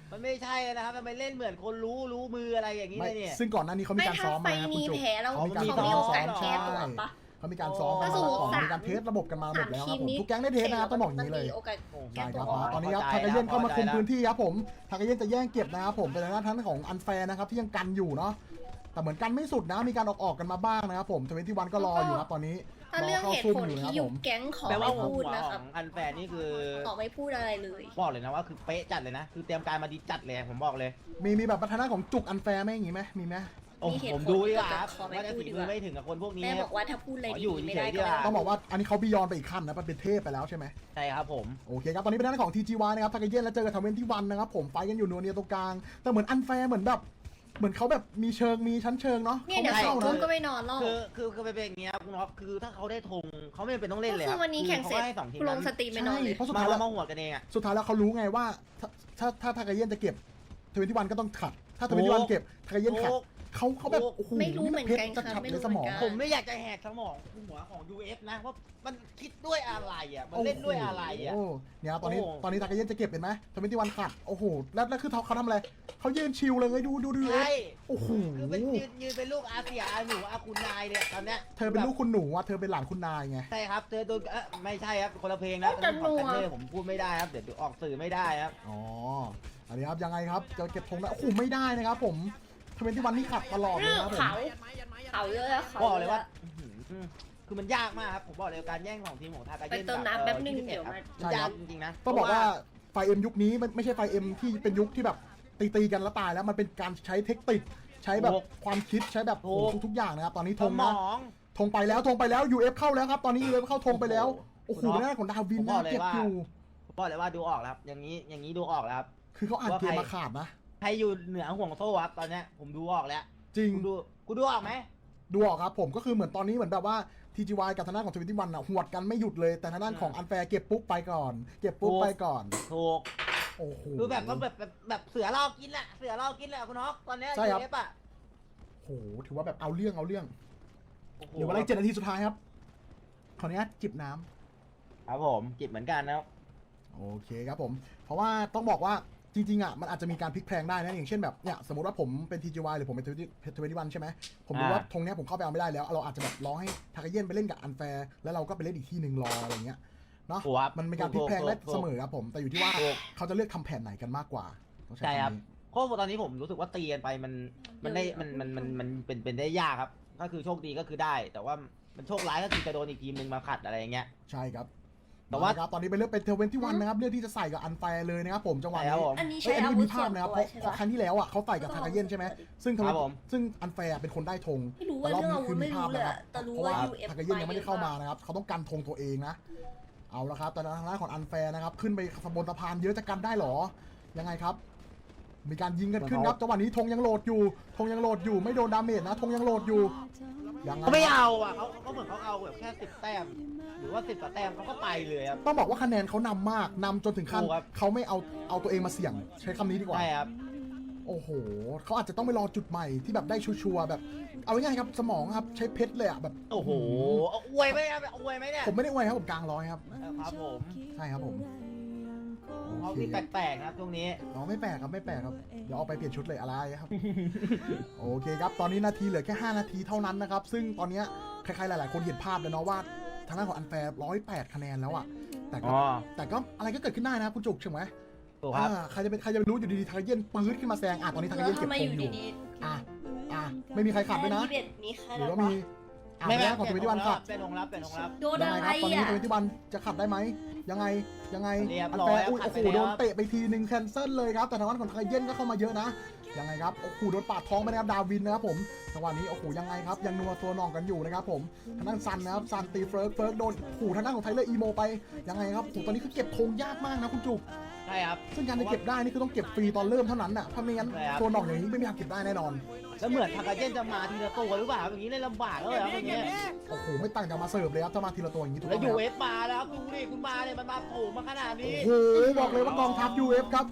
Speaker 4: มันไม่ใช่นะครับมันไปเล่นเหมือนคนรู้รู้มืออะไรอย่างนี้
Speaker 3: ไม่
Speaker 4: เลยเนี่ย
Speaker 3: ซึ่งก่อนหน้านี้เขามี
Speaker 2: ไม่
Speaker 3: การ
Speaker 2: ถ้า
Speaker 3: ซ้อม
Speaker 2: ไฟ
Speaker 3: มาครับคุณ
Speaker 2: นี้
Speaker 3: จุก
Speaker 2: แพ้เรา
Speaker 3: เขามีการ
Speaker 2: เขา
Speaker 3: ซ้อ
Speaker 2: มี
Speaker 3: ม
Speaker 2: โอกาส
Speaker 3: ใช่
Speaker 2: แก้ตัวปะ
Speaker 3: เขามีการซ้อม
Speaker 4: ก็
Speaker 3: มา
Speaker 4: สมมุติ
Speaker 3: ก่อน
Speaker 2: สาม
Speaker 3: มีการเทสระบบกันมาหมดแล้วครับผมทุกแก๊งได้เทสนะครับต้องบอกอย่างนี้เลย
Speaker 2: โอกาส
Speaker 3: ใช่
Speaker 2: แก้
Speaker 3: ค
Speaker 2: ตั
Speaker 3: รั
Speaker 2: ว
Speaker 3: บตอนนี้ครับทากาเย็นเข้ามาคุมพื้นที่ครับผมทากาเย็นจะแย่งเก็บนะครับผมเป็นทางด้านของอันแฟร์นะครับที่ยังกันอยู่เนาะแต่เหมือนกันไม่สุดนะมีการออกออกกันมาบ้างนะครับผมทเวนตี้วันก็รออยู่ครับตอนนี้
Speaker 2: ถ้าร
Speaker 3: อ
Speaker 2: เรื่อง
Speaker 3: เข้า
Speaker 2: เหตุ
Speaker 3: ซุ่ม
Speaker 2: ผล
Speaker 3: อยู่นะค
Speaker 2: ที่
Speaker 3: รับ
Speaker 2: ยุ
Speaker 3: ผ
Speaker 2: บ
Speaker 3: ม
Speaker 2: แก๊งขอ
Speaker 4: แปลว่า
Speaker 2: ไม่
Speaker 4: หั
Speaker 2: พูด
Speaker 4: ว
Speaker 2: นะ
Speaker 4: ข
Speaker 2: ครั
Speaker 4: อบ งอันแฟนนี่คือ
Speaker 2: ขอไม่พูดอะไรเลย
Speaker 4: บอกเลยนะว่าคือเป๊ะจัดเลยนะ คือเตรียมการมาดีจัดเลยผมบอกเลย
Speaker 3: มีมีแบบพัฒนาของจุกอันแฟร์ไหมอย่างงี้ไหมมีไหม
Speaker 4: โอ้
Speaker 2: มีเหตุ
Speaker 4: ผม
Speaker 2: ผล
Speaker 4: ดูดีกว่า
Speaker 2: แต่
Speaker 4: ครับ
Speaker 2: ขอไม่
Speaker 4: ว่าจะ
Speaker 2: พูด
Speaker 4: ฝี
Speaker 2: ดีก
Speaker 4: มือ
Speaker 2: ว่า
Speaker 4: ไม่ถึงกับคนพวกนี้
Speaker 2: แม่บอกว่าถ้าพูดอะไร
Speaker 4: ขออยู่
Speaker 2: ดีๆไม่
Speaker 4: เฉ
Speaker 2: ได้
Speaker 4: ยๆดี
Speaker 2: ก็
Speaker 4: กว่า
Speaker 2: ไม่
Speaker 3: ต้องบอกว่าอันนี้เขาบียอนไปอีกขั้นนะเป็นเทพไปแล้วใช่ไหม
Speaker 4: ใช่ครับผม
Speaker 3: โอเคครับตอนนี้เป็นด้านของ ที จี วาย นะครับทากาเย็นแล้วเจอกับทเวนตี้วันนะครับผมไฟกันอยู่นัวเนียตรงกลางแต่เหมือนอันแฟร์เหมือนแบบเหมือนเขาแบบมีเชิงมีชั้นเชิงเนาะ
Speaker 2: เนี่ย
Speaker 3: เขา
Speaker 2: เดี๋ยว
Speaker 3: ไม่
Speaker 2: สอ
Speaker 3: เข้าง
Speaker 2: ทุ่ม
Speaker 3: นะ
Speaker 2: ก็ไม่นอนหรอก
Speaker 4: คือคือคือเป็นอย่างเงี้ยครับคุณน็อตคือถ้าเขาได้ธงเขาไม่จำเป็นต้องเล่นเลย
Speaker 2: ก็คือวันนี้แข่งเสร็จ
Speaker 4: ขาให้สองทีม
Speaker 2: ล
Speaker 4: นั้
Speaker 2: ง
Speaker 4: น
Speaker 2: สตรีมไปนอนเลย
Speaker 3: เพราะสุด
Speaker 4: มา
Speaker 3: ท้าย
Speaker 4: แล้
Speaker 3: แล้ว ว
Speaker 4: มาหัวกันเองอ่ะ
Speaker 3: สุดท้ายแล้วเขารู้ไงว่าถ้าถ้าถ้าทากาเย็นจะเก็บทเวนตี้วันก็ต้องขัดถ้าทเวนตี้วันเก็บทากาเย็นขัด
Speaker 4: โอ้
Speaker 3: เขาเขาแบบโอ้โห
Speaker 2: ไม่รู้เหมือนกัน
Speaker 3: จะ
Speaker 2: ค่ะ
Speaker 3: ขับ
Speaker 2: ไม่
Speaker 3: ใน
Speaker 2: รู้
Speaker 3: ส
Speaker 2: เห
Speaker 3: ม
Speaker 2: มื
Speaker 3: อ
Speaker 2: อง นกัน
Speaker 4: ผมไม่อยากจะแหกสมองหัวของ ยู เอฟ นะว่ามันคิดด้วยอะไรอ่ะมันเล่นด้วยอะไรอ่ะ
Speaker 3: โอ้เนี่ยตอนนี้
Speaker 4: โอ้
Speaker 3: ตอนนี้ทากาเย็นจะเก็บเห็นไหมทเวนตี้วันขัดโอ้โหแล้วแล้วคือเขาเขาทำอะไรเขายืนชิลเลยดูดูดู
Speaker 4: ใช่
Speaker 3: โอ้โห
Speaker 4: คือเป็นยืนยืนเป็นลูกอาเซียอาหนูอาคุณนายเนี่ยตอนเนี้ย
Speaker 3: เธอเป็นลูกคุณหนูอ่ะเธอเป็นหลานคุณนายไง
Speaker 4: ใช่ครับเธอโดนเอ๊ะไม่ใช่ครับคนละเพลงนะ
Speaker 2: จะนัว
Speaker 4: ของกันเนอร์ผมพูดไม่ได้ครับเดี๋ยวออกสื่อไม่ได้ครับ
Speaker 3: อ๋ออันนี้ครับยังไงครับจะเก็บธงได้โอ้โหไม่ได้นะครับผมทเวนตี้วันนี่ขัดตลอดเลย
Speaker 2: เรื่อง
Speaker 3: นะครับผม
Speaker 2: เขาเขาเยอะอะเขา
Speaker 4: บอกเลยว่า
Speaker 2: อะ
Speaker 4: อื้อหือคือมันยากมากครับผมบอกเลยการแย่งของทีมของทากา
Speaker 2: ไป
Speaker 4: เย็น
Speaker 2: เติมน้ำแป๊บนึงเดี๋ยวมา
Speaker 4: มันยากจริงๆนะ
Speaker 3: ต้องบอกว่าไฟเอ็มยุคนี้มันไม่ใช่ไฟเอ็มที่เป็นยุคที่แบบตีตีๆกันแล้วตายแล้วมันเป็นการใช้เทคนิคใช้แบบความคิดใช้แบบโอ้โหทุกๆอย่างนะครับตอนนี้
Speaker 4: ส
Speaker 3: ธง
Speaker 4: ม
Speaker 3: นะ
Speaker 4: อง
Speaker 3: ธงไปแล้วธงไปแล้ว ยู เอฟ เข้าแล้วครับตอนนี้ ยู เอฟ เข้าธงไปแล้วโอ้โหหน้าของดาวิน
Speaker 4: ผมบ
Speaker 3: น่า
Speaker 4: อกเลย
Speaker 3: เก็บ
Speaker 4: ว่า
Speaker 3: อยู่
Speaker 4: ผมบอกเลยว่าดูออกแล้วครับอย่างนี้อย่างนี้ดูออกแล้วครับ
Speaker 3: คือเขาอ่านเกมมาขาดนะ
Speaker 4: ใครอยู่เหนือห่วงโซ่ครับตอนเนี้ยผมดูออกแล้ว
Speaker 3: จริง
Speaker 4: กูดูกูดูออกไหม
Speaker 3: ดูออกครับผมก็คือเหมือนตอนนี้เหมือนแบบว่า ที จี วาย กับทางด้านของทเวนตี้วันอ่ะหวดกันไม่หยุดเลยแต่ทางด้านของอันแฟร์เก็บปุ๊บไปก่อน เก็บปุ๊บไปก่อน
Speaker 4: ถูก
Speaker 3: โอ้โห
Speaker 4: คือแบบต้องแบบแบบแบบเสือล่อกินแหละเสือล่อกินแหละคุณน็อกตอนเนี้ย
Speaker 3: ใช่ครับ
Speaker 4: ยูเอฟอ่ะ
Speaker 3: โอ้โหถือว่าแบบเอาเรื่องเอาเรื่อง
Speaker 4: โอ้โห
Speaker 3: เหลือเวลาอีกเจ็ดนาทีสุดท้ายครับขออนุญาตจิบน้ำ
Speaker 4: ครับผมจิบเหมือนกันนะครับ
Speaker 3: โอเคครับผม เพราะว่าต้องบอกว่าจริงๆอ่ะมันอาจจะมีการพลิกแพลงได้นะอย่างเช่นแบบเนี่ยสมมติว่าผมเป็น ที จี วาย หรือผมเป็นทเวนตี้วันใช่ไหมผมรู้ว่าธงเนี้ยผมเข้าไปเอาไม่ได้แล้วเราอาจจะแบบรอให้ทากาเย็นไปเล่นกับอันแฟร์แล้วเราก็ไปเล่นอีกที่หนึ่งรออะไรเงี้ยเนาะ
Speaker 4: ถูกครับ
Speaker 3: มันมีการพลิกแพลงได้
Speaker 4: ถูกถูก
Speaker 3: เสมอครับผมแต่อยู่ที่ว่า
Speaker 4: ถูก
Speaker 3: เขาจะเลือกทำแผนไหนกันมากกว่าต้องใช้
Speaker 4: ใช่ครับ
Speaker 3: คำนี้
Speaker 4: เพราะว่าตอนนี้ผมรู้สึกว่าตีกันไปมันมันได้มันมันมันมันเป็นเป็นได้ยากครับ ก็คือโชคดีก็คือได้ แต่ว่ามันโชคร้ายก็คือจะโดนอีกทีมหนึ่งมาขัดอะไรอย่างเงี้ย
Speaker 3: ใช่ครับ
Speaker 4: แต่ว่า
Speaker 3: ครับตอนนี้เป็นเลือกเป็นทเวนตี้วันนะครับเลือกที่จะใส่กับอันแฟร์เลยนะครับผมจังหวะ
Speaker 4: ใช่ครั
Speaker 3: นี้
Speaker 4: บผม
Speaker 2: อันนี้
Speaker 3: เอ้
Speaker 2: ใช้
Speaker 3: ยอัน
Speaker 2: อา
Speaker 3: นี้
Speaker 2: วุ
Speaker 3: มี
Speaker 2: ธ
Speaker 3: ภา
Speaker 2: ส่ว
Speaker 3: พ
Speaker 2: น
Speaker 3: นะครับ
Speaker 2: ตัว
Speaker 3: เพราะ
Speaker 2: ใช่
Speaker 3: เพราะ
Speaker 2: ปะ
Speaker 3: ครั้งที่แล้วอ่ะเขาใส่กับทากาเย็นใช่ไหมซึ่ง
Speaker 4: ครับผม
Speaker 3: ซึ่งอันแฟร์เป็นคนได้ธง
Speaker 2: ไม่รู้ว่าเรื่องอาวุธไม่รู้เลยอะแต่รู้
Speaker 3: เพราะ
Speaker 2: ว่า
Speaker 3: ว่า
Speaker 2: ยู เอฟ
Speaker 3: ทากาเย็นยังไม่ได้เข้ามานะครับเขาต้องกันธงตัวเองนะเอาละครับแต่ทางด้านของอันแฟร์นะครับขึ้นไปขบวนสะพานเยอะจะกันได้หรอยังไงครับ มีการยิงกันขึ้นครับจังหวะนี้ธงยังโหลดอยู่ธงยังโหลดอยู่ไม่โดนดาเมจนะธงยังโหลดอยู่ยังไง
Speaker 4: เขาไม่เอาอ่ะเขาเขาเหมือนเขาเอาแบบแค่สิบแต้มหรือว่าสิบกว่าแต้มเขาก็ไปเลยครับ
Speaker 3: ต้องบอกว่าคะแนนเขานำมากนำจนถึงขั้น
Speaker 4: ถูกครับ
Speaker 3: เขาไม่เอาเอาตัวเองมาเสี่ยงใช้คำนี้ดีกว่า
Speaker 4: ใช่ครับ
Speaker 3: โอ้โหเขาอาจจะต้องไปรอจุดใหม่ที่แบบได้ชัวร์ๆแบบ เอาง่ายๆครับสมองครับใช้เพชรเลยอ่ะแบบ
Speaker 4: โอ้โหเอาอวยไหมครับอวยไหมเนี่ย
Speaker 3: ผมไม่ได้อวยครับผมกลางร้อยครับ
Speaker 4: ครับผม
Speaker 3: ใช่ครับผม
Speaker 4: เขา
Speaker 3: โอเค
Speaker 4: ที่แปลกๆนะครับช่วงนี้
Speaker 3: น้องไม่แปลกครับไม่แปลกครับเดี๋ยวเอาไปเปลี่ยนชุดเลยอะไรครับ โอเคครับตอนนี้นาทีเหลือแค่ห้านาทีเท่านั้นนะครับซึ่งตอนเนี้ยใครๆหลายๆคนเห็นภาพแล้วเนาะว่าทางด้านของอันแฟร์ร้อยแปดคะแนนแล้วอ่ะแต่ก็
Speaker 4: อ๋อ
Speaker 3: แต่ก็อะไรก็เกิดขึ้นได้นะครับคุณจุกใช่ไหม
Speaker 4: ถูกครับ
Speaker 3: อ่าใครจะเป็นใครจะไปรู้อยู่ดีๆทากาเย็นปื๊ดขึ้นมาแซงอ่ะตอนนี้ทากา
Speaker 2: แล้
Speaker 3: เย็
Speaker 2: วน
Speaker 3: เก็บ
Speaker 2: ทำไม
Speaker 3: ธ
Speaker 2: อง ยู่
Speaker 3: อยู่
Speaker 2: ดี
Speaker 3: อ่ะอ่ะไม่มีใคร
Speaker 2: ๆ
Speaker 3: ขัดด้วยนะ
Speaker 2: แค่ยี่สิบเอ็ดมีใคร
Speaker 3: หรือ
Speaker 2: แล้ว
Speaker 3: ว่ามี
Speaker 2: วะ
Speaker 3: อ่ะ
Speaker 4: ไม่
Speaker 3: ไม่
Speaker 4: ไม่
Speaker 3: ได้ของทเวนตี้วันขัด
Speaker 4: เป็นองรับเป็นองรับ
Speaker 2: โดน
Speaker 3: ยัง
Speaker 2: อะ
Speaker 3: ไง
Speaker 2: ไร
Speaker 3: ครับตอนนี้
Speaker 2: อ่ะ
Speaker 3: ทเวนตี้วันจะขัดได้ไหมยังไงยังไง
Speaker 4: เรียบ
Speaker 3: อัน
Speaker 4: ร้
Speaker 3: แฟ
Speaker 4: อย
Speaker 3: ร์อุ้ย
Speaker 4: ขั
Speaker 3: โอ้
Speaker 4: ด
Speaker 3: โห
Speaker 4: ไปแล้ว
Speaker 3: โดนเตะไปทีหนึ่งแคนเซิลเลยครับแต่ทางด้านของทากาเย็นก็เข้ามาเยอะนะยังไงครับโอ้โหโดนปาดท้องไปนะครับดาวินนะครับผมจังหวะนี้โอ้โหยังไงครับยังนัวตัวหน่องกันอยู่นะครับผมทางด้านซันนะครับซันตีเฟิร์กเฟิร์กโดนโอ้โหทางด้านของไทเลอร์อีโมไปยังไงครับโอ้โหตอนนี้คือเก็บธงยากมากนะคุณจุก
Speaker 4: ใช่ครับ
Speaker 3: ซึ่งการจะเก็บได้นี่คือต้องเก็บฟรีตอนเริ่มเท่านั้นน่ะถ้าไม่งั้น
Speaker 4: ใช่ครับ
Speaker 3: ตัวหน่องอย่างนี้ไม่มีทางเก็บได้แน่นอน
Speaker 4: แล้วเหมือนทากาเย็นจะมาทีละตัวหรือเปล่าอย่างนี้เลยลำบากแล้วเหรออย่างเงี้ย
Speaker 3: โอ้โหไม่ต่างจากมาเสิร์ฟเลยครับถ้ามาทีละตัวอย่างนี้ถูก
Speaker 4: แล้
Speaker 3: ต้
Speaker 4: ว
Speaker 3: อง
Speaker 4: ยู
Speaker 3: ไหม
Speaker 4: เอฟมาแล้วครับดูดิคุณมาเนี่ยมันมาโผล่มาขนาดนี้
Speaker 3: โอ้โหบอกเลยว่ากองทัพ ยู เอฟ ครับ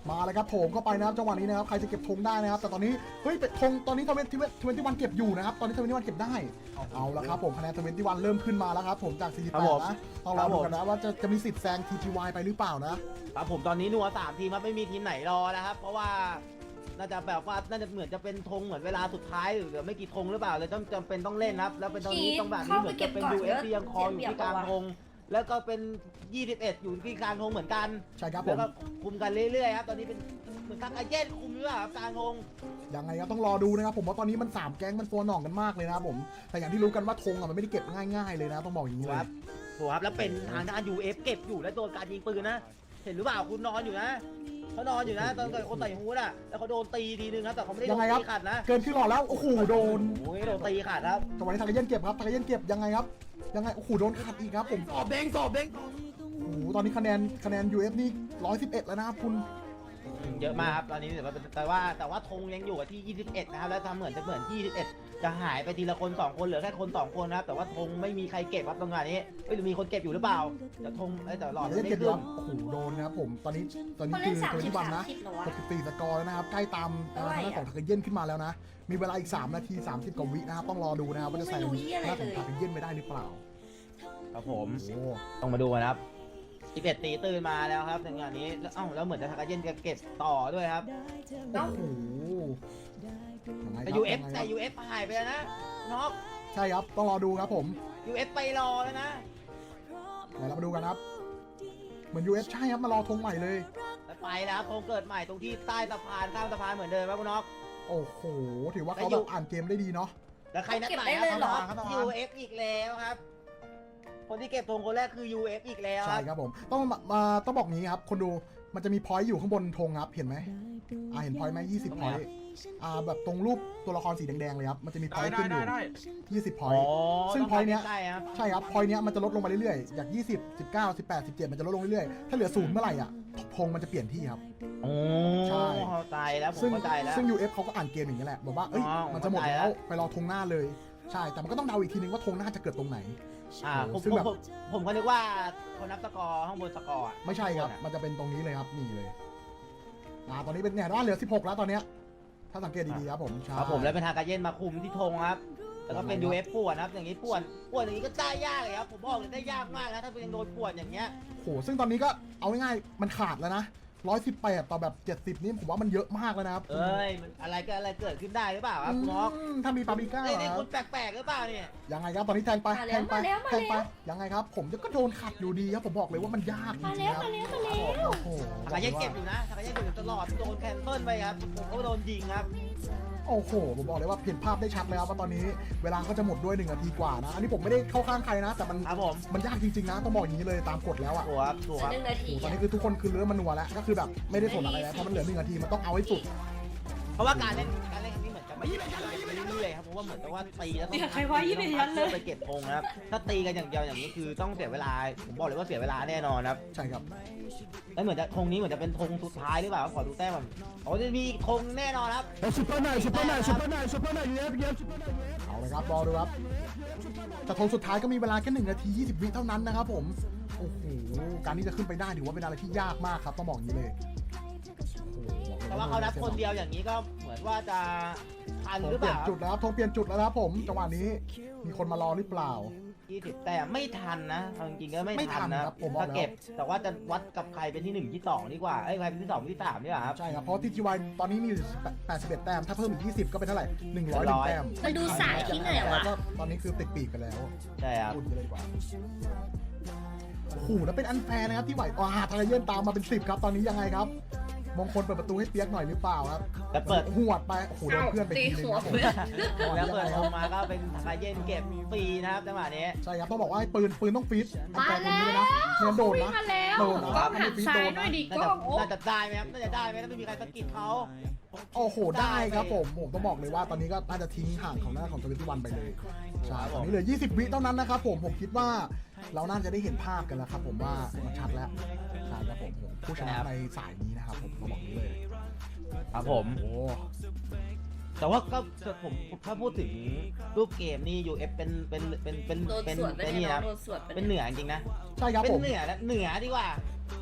Speaker 3: มาเลยครับโถมเข้าไปนะครับจังหวะนี้นะครับใครจะเก็บธงได้นะครับแต่ตอนนี้เฮ้ยเป็นธงตอนนี้ทเวนทเวนตี้วันเก็บอยู่นะครับตอนนี้ทเวนตี้วันเก็บได้เอาละครับผมคะแนนทเวนตี้วันเริ่มขึ้นมาแล้วครับผมจากสี่สิบแปดนะต้องรอดูกันนะว่าจะจะมีสิทธิ์แซง ที จี วาย ไปหรือเปล่านะครับ
Speaker 4: ผมตอนนี้นัวสามทีมครับไม่มีทีมไหนรอนะครับ เพราะว่าน่าจะแบบว่าน่าจะเหมือนจะเป็นธงเหมือนเวลาสุดท้ายหรือเหลือไม่กี่ธงหรือเปล่าเลยต้องจำเป็นต้องเล่นครับแล้วเป็นตอนนี้ต้องแบบนี้เหมือนจะเป็น ยู เอฟ ที่ยังคออยู่ที่กลางธงแล้วก็เป็นยี่สิบเอ็ดอยู่ที่กลางธงเหมือนกัน
Speaker 3: ใช่ครับผ
Speaker 4: แล้ว
Speaker 3: ม
Speaker 4: ก็คุมกันเรื่อยๆครับตอนนี้เป็นเหมือนทางอาเย็นคุมหรือเปล่าครับกลางธง
Speaker 3: ยังไงก็ต้องรอดูนะครับผมว่าตอนนี้มันสามแก๊งมันฟัวหน่องกันมากเลยนะครับผมแต่อย่างที่รู้กันว่าธงอะมันไม่ได้เก็บง่ายๆเลยนะต้องบอกอย่างนี้
Speaker 4: ค
Speaker 3: เลย
Speaker 4: รับถูกครับแล้วเป็นทางด้าน ยู เอฟ เก็บอยู่แล้วโดนการยิงปืนนะ เห็นหรือเปล่าคุณนอนอยู่นะเขานอนอยู่นะตอนเกิดคนใส่ฮู้ดอ่ะแล้วเขาโดนตีทีนึงครับแต่เขาไม่ได้โด
Speaker 3: ยัง
Speaker 4: น
Speaker 3: ไงครับ
Speaker 4: ตีขาดนะ
Speaker 3: เกินขึ้นหลอดแล้วโอ้โหโดน
Speaker 4: โอ้ยโดนตีขาดครับ
Speaker 3: จังหวะนี้ทางเย็นเก็บครับทางเย็นเก็บยังไงครับยังไงโอ้โหโดนขัดอีกครับผม
Speaker 4: สอบเด้งสอบเด้ง
Speaker 3: โอ้โหตอนนี้คะแนนคะแนน ยู เอฟ นี่ร้อยสิบเอ็ดแล้วนะครับคุณ
Speaker 4: เยอะมากครับตอนนี้แต่ว่าแต่ว่าแต่ว่าธงยังอยู่ที่ยี่สิบเอ็ดนะครับแล้วทำเหมือนจะเหมือนยี่สิบเอ็ดจะหายไปทีละคนสองคนเหลือแค่คนสองคนนะครับแต่ว่าธงไม่มีใครเก็บครับตรงนี้ไม่รู้มีคนเก็บอยู่หรือเปล่าแต่ธงไอ้แต่หลอด
Speaker 3: ทางเย็น
Speaker 4: ไม่
Speaker 3: เก็บอ
Speaker 4: ขึ้
Speaker 3: ยู่
Speaker 4: น
Speaker 3: ครับโอ้โหโดนนะครับผมตอนนี้ตอนนี้
Speaker 2: เขา
Speaker 3: คื
Speaker 2: เล่น
Speaker 3: อ
Speaker 2: สาม
Speaker 3: ตัว
Speaker 2: สิบ
Speaker 3: ที่วัน
Speaker 2: สาม
Speaker 3: นะ
Speaker 2: สิบเหรอวะ
Speaker 3: หกสิบสี่สกอร์แล้วนะครับใกล้ตามเอ่อทางด้านของทางเย็นขึ้นมาแล้วนะมีเวลาอีกสามนาทีสามสิบกว่าวินะครับต้องรอดูนะครับว่าจะแซง
Speaker 2: ไม่รู้เหี้ยอะไร
Speaker 3: หน้าของ
Speaker 2: เลย
Speaker 3: ทางเย็นไปได้หรือเปล่า
Speaker 4: ครับผม
Speaker 3: โอ้
Speaker 4: ต้องมาดูกันครับสิบเอ็ดตีตื่นมาแล้วครับในงานนี้แล้วเอ้าแล้วเหมือนจะทากาเย็นจะเก็บต่อด้วยครับ
Speaker 3: โอ้โหยังไงค
Speaker 4: แต่
Speaker 3: รับ
Speaker 4: ยู เอฟ
Speaker 3: ยังไง
Speaker 4: แต่
Speaker 3: ครับ
Speaker 4: ยู เอฟ หายไปแล้วนะน็อก
Speaker 3: ใช่ครับต้องรอดูครับผม
Speaker 4: ยู เอฟ ไปรอแล้วนะ
Speaker 3: เดี๋ยวเรามาดูกันครับเหมือน ยู เอฟ ใช่ครับมารอธงใหม่เลย
Speaker 4: แล้วไปแล้วธงเกิดใหม่ตรงที่ใต้สะพานข้ามสะพานเหมือนเดิมครับคุณน็อก
Speaker 3: โอ้โหถือว่าเขา
Speaker 4: แล้ว
Speaker 3: แบ
Speaker 4: อยู่
Speaker 3: บอ่านเกมได้ดีเนาะ
Speaker 4: แล้วใครนัด
Speaker 2: เก็บ
Speaker 4: หมาย
Speaker 2: ได้เลยเหรอ
Speaker 4: ครับ ยู เอฟ อีกแล้วครับ คนที่เก็บธงคนแรกคือ ยู เอฟ อีกแล้วค
Speaker 3: ใช่
Speaker 4: รับ
Speaker 3: ครับผมต้องมามาต้องบอกงี้ครับคนดูมันจะมีพอยต์อยู่ข้างบนธงครับเห็นไหมอ่าเห็นพอยต์ไหมยี่สิบพอยต์อ่าแบบตรงรูปตัวละครสีแดงๆเลยครับมันจะมีพอยต์ขึ้นอยู่ยี่สิบพอยต์ ซึ่ง
Speaker 4: ต้
Speaker 3: point เนี้ย
Speaker 4: ใกล้ๆครับ
Speaker 3: ใช่ครับพอยต์เนี้ยมันจะลดลงมาเรื่อยๆจากยี่สิบ สิบเก้า สิบแปด สิบเจ็ดมันจะลดลงเรื่อยๆถ้าเหลือศูนย์เมื่อไหร่อ่ะธงมันจะเปลี่ยนที่ครับ
Speaker 4: โอ้
Speaker 3: ใช่
Speaker 4: เข้าใจแล้วผม
Speaker 3: ซึ่ง
Speaker 4: เข้าใจแล้ว
Speaker 3: ซึ่ง ยู เอฟ เขาก็อ่านเกมอย่างนี้ยแหละบอกว่าเอ้ย
Speaker 4: อ๋อ
Speaker 3: มันจะหมด
Speaker 4: เข้าใจแล้
Speaker 3: แล้ว วไปรอธงหน้าเลยใช่แต่มันก็ต้องเดาอีกทีนึงว่าธงหน้าจะเกิดตรงไหน
Speaker 4: อ่าผม
Speaker 3: ซึ่ง
Speaker 4: ผม
Speaker 3: แบบ
Speaker 4: ผมผมก็นึกว่าเขานับสกอร์ข้างบนสกอร์อะ
Speaker 3: ไม่ใช่ครับ มันจะเป็นตรงนี้เลยครับ นี่เลย อ่า ตอนนี้เป็นเนี่ยว่าเหลือสิบหกแล้วตอนเนี้ย ถ้าสังเกตดีๆครับผมใช่
Speaker 4: ครับผมแล้วเป็นทางการเย็นมาคุมที่ธงครับ แล้วก็เป็น
Speaker 3: ครับ
Speaker 4: ยู เอฟ ป่วนครับ อย่างนี้ป่วนป่วนอย่างนี้ก็ได้ยากเลยครับ ผมบอกเลยได้ยากมากนะถ้าเป็นยังโดนป่วนอย่างเงี้ย
Speaker 3: โห ซึ่งตอนนี้ก็เอาง่ายๆ มันขาดแล้วนะร้อยสิบแปดต่อแบบเจ็ดสิบนี่ผมว่ามันเยอะมากแล้วนะครับ
Speaker 4: เอ้ยมันอะไรก็อะไรเกิดขึ้นได้หรือเปล่าครับคุณน็อก
Speaker 3: อืมถ้ามีปาปริก้า
Speaker 4: เอ้ย
Speaker 3: เหร
Speaker 4: นี่
Speaker 3: อ
Speaker 4: คุณแปลกๆหรือเปล่าเนี่ย
Speaker 3: ยังไงครับ ตอนนี้แทงไป
Speaker 2: มา
Speaker 3: แท
Speaker 2: แล้ว
Speaker 3: งไป
Speaker 2: มาแล้วมา
Speaker 3: แทงไป
Speaker 2: แล้ว
Speaker 3: ยังไงครับ ผมก็โดนขัดอยู่ดีครับ ผมบอกเลยว่ามันยากจ
Speaker 2: มา
Speaker 3: ริง
Speaker 2: แล้ว
Speaker 3: ๆครับ
Speaker 2: มาแล้วมาแล้ว
Speaker 3: โอ้โห
Speaker 4: ทางการเย็นเก็บอยู่นะทางการเย็นเก็บอยู่ตลอดโดนแคนเซิลไปครับผมก็โดนยิงครับ
Speaker 3: โอ้โห ผมบอกเลยว่าเห็นภาพได้ชัดเลยครับว่าตอนนี้เวลาก็จะหมดด้วยหนึ่งนาทีกว่านะ อันนี้ผมไม่ได้เข้าข้างใครนะ แต่มัน
Speaker 4: ครับผม
Speaker 3: มันยากจริงๆนะ ต้องบอกอย่างนี้เลยตามกฎแล้วอ่ะ
Speaker 4: ถูกครับถูกครับ
Speaker 2: หนึ่งนาที
Speaker 3: โอ้โหตอนนี้คือทุกคนคือเริ่มมันนัวแล้ว ก็คือแบบไม่ได้สนอะไรแล้วเพราะมันเหลือหนึ่งนาทีมันต้องเอาให้สุด
Speaker 4: เพราะว่าการเล่นการเล่นครั้งนี้เหมือนจะไม่ไปเรื่อยๆครับเพราะว่าเหมือนกับว่าตีแล้วต้อง
Speaker 2: เนี่ยใครว่ายี่สิบยันเลย
Speaker 4: ไปเก็บธงนะครับถ้าตีกันอย่างเดียวอย่างนี้คือต้องเสียเวลาผมบอกเลยว่าเสียเวลาแน่นอนครับ
Speaker 3: ใช่ครับ
Speaker 4: แล้วเหมือนจะธงนี้เหมือนจะเป็นธงสุดท้ายหรือเปล่าขอดูแต้มก่อนอ๋อจะมีธงแน่นอนครับ
Speaker 3: ซุปเปอร์ไนท์ซุปเปอร์ไนท์ซุปเปอร์ไนท์ซุปเปอร์ไนท์เยฟเยฟเอาเลยครับรอดูครับแต่ธงสุดท้ายก็มีเวลาแค่หนึ่งนาทียี่สิบวิเท่านั้นนะครับผมโอ้โหการที่จะขึ้นไปได้ถือว่าเป็นอะไรที่ยากมากครับต้องบอกอย่างนี้เลยโอ้โห
Speaker 4: แต่ว่าเขานับคนเดียวอย่างนี้ก็เหมือนว่าจะทัน
Speaker 3: ธง
Speaker 4: หรือ
Speaker 3: เป
Speaker 4: เป
Speaker 3: ลี่ยน
Speaker 4: ล่า
Speaker 3: จุดแล้วครับธงเปลี่ยนจุดแล้วนะครับผมจังหวะนี้มีคนมารอหรือเปล่า
Speaker 4: ยี่สิบแต้มไม่ทันนะเอาจริงๆก็ไม่
Speaker 3: ไม่ทั
Speaker 4: ทั
Speaker 3: น
Speaker 4: นนะครับ
Speaker 3: ผมบอกแล้ว
Speaker 4: ถ้าเก็บแต่ว่าจะวัดกับใครเป็นที่หนึ่งที่สองดีกว่าเอ้ยใครเป็นที่สองที่สามดีกว่าครับ
Speaker 3: ใช่ครับเพราะทีทีวายตอนนี้มีอยู่แปดสิบเอ็ดแต้มถ้าเพิ่มอีกยี่สิบก็เป็นเท่าไหร่หนึ่งร้อยหนึ่งแต้ม
Speaker 2: มันดูสายที่ไหนวะ
Speaker 3: ก็ตอนนี้คือติดปีกไปแล้ว
Speaker 4: ใช่ครับ
Speaker 3: พูดกันเลยดีกว่าโอ้โหแล้วเป็นอันแฟร์นะครับที่ไหวอ่าทางเยื่นตามมาเป็นสิบครับตอนนี้ยังไงครับมงคลเปิดประตูให้เปียกหน่อยหรือเปล่าครับ
Speaker 4: แล้วเปิด
Speaker 3: หวดไปโอ้โหโดนเพื่อนไปทีนึงครับผม
Speaker 4: แล้วเปิดธงมาก็เป็นทางเย็นเก็บฟรีนะครับจังหวะนี้
Speaker 3: ใช่ครับต้องบอกว่าให้ปืนปืนต้องฟีดอัน
Speaker 2: มา
Speaker 3: แฟร์ตรง
Speaker 2: แล้
Speaker 3: นี้เลยนะ
Speaker 2: ว
Speaker 3: เนียนโดนนะ
Speaker 2: มาแล้ว
Speaker 3: โดนนะ
Speaker 2: กล้อง
Speaker 3: ไม่
Speaker 2: หั
Speaker 3: ได้
Speaker 2: น
Speaker 3: ฟีด
Speaker 2: ซ้า
Speaker 3: โด
Speaker 2: ย
Speaker 3: น
Speaker 2: หน่อย
Speaker 3: นะ
Speaker 2: ดิ
Speaker 4: น่าก จะ
Speaker 2: ล้องโอ้
Speaker 4: น่าจะได้ไหมครับน่าจะได้ไหมถ้าไม่มีใครสะกิดเขา
Speaker 3: โอ้โหได้ครับผมผมต้องบอกเลยว่าตอนนี้ก็น่าจะทิ้งห่างของหน้าของทวิตวันไปเลยใช่ตอนนี้เหลือยี่สิบวิเท่านั้นนะครับผมผมคิดว่าเราน่าจะได้เห็นภาพกันแล้วครับผมว่ามันชัดแล้วใช่ครับผมผมผู้ชนะในสายนี้นะครับผมต้องบอกนี้เลย
Speaker 4: ครับผม
Speaker 3: โอ้
Speaker 4: แต่ว่าก็ผมถ้าพูดถึงรูปเกมนี่ ยู เอฟ เป็นเป็นเป็นเป็น
Speaker 2: โดน
Speaker 4: เป็น
Speaker 2: สวนไป
Speaker 4: เป็น
Speaker 2: เนี่
Speaker 4: นี่
Speaker 2: ย
Speaker 4: นะ
Speaker 2: โดนสวนไป
Speaker 4: เป็นเหนือจริงๆนะ
Speaker 3: ใช่ครับ
Speaker 4: เป็น
Speaker 3: ผม
Speaker 4: เหนือและเหนือดีกว่า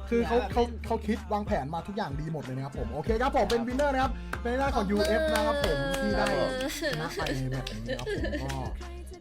Speaker 3: คือเขาเขาเขาคิดวางแผนมาทุกอย่างดีหมดเลยนะครับผมโอเคครับผมเป็นวินเนอร์นะครับเป็นหน้าของ ยู เอฟ นะครับผมที่ได้ชนะไปในแบบนี้ครับผมก็